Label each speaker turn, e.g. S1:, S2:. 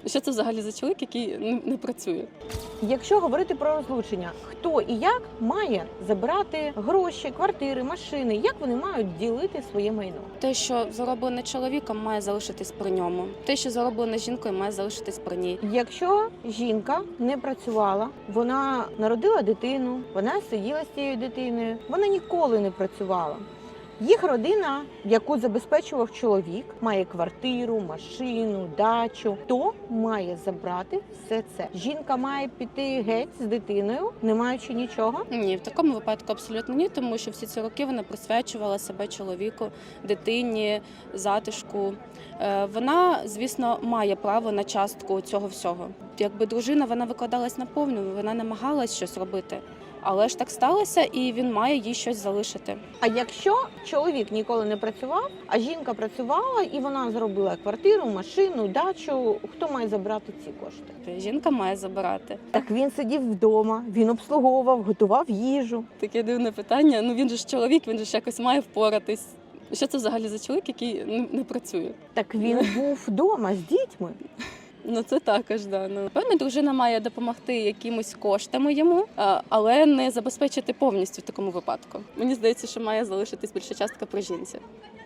S1: Що це взагалі за чоловік, який не працює?
S2: Якщо говорити про розлучення, хто і як має забирати гроші, квартири, машини, як вони мають ділити своє майно?
S1: Те, що зароблене чоловіком, має залишитись при ньому. Те, що зароблене жінкою, має залишитись при ній.
S2: Якщо жінка не працювала, вона народила дитину, вона сиділа з цією дитиною, вона ніколи не працювала. Їх родина, яку забезпечував чоловік, має квартиру, машину, дачу, то має забрати все це. Жінка має піти геть з дитиною, не маючи нічого.
S1: Ні, в такому випадку абсолютно ні, тому що всі ці роки вона присвячувала себе чоловіку, дитині, затишку. Вона, звісно, має право на частку цього всього. Якби дружина, вона викладалась на повну, вона намагалась щось робити. Але ж так сталося, і він має їй щось залишити.
S2: А якщо чоловік ніколи не працював, а жінка працювала і вона заробила квартиру, машину, дачу, хто має забрати ці кошти?
S1: Жінка має забирати.
S2: Так він сидів вдома, він обслуговував, готував їжу.
S1: Таке дивне питання. Ну він же ж чоловік, він же ж якось має впоратись. Що це взагалі за чоловік, який не працює?
S2: Так він був вдома з дітьми.
S1: Ну це також, да. Ну, певно, дружина має допомогти якимось коштами йому, але не забезпечити повністю в такому випадку. Мені здається, що має залишитись більша частка при жінці.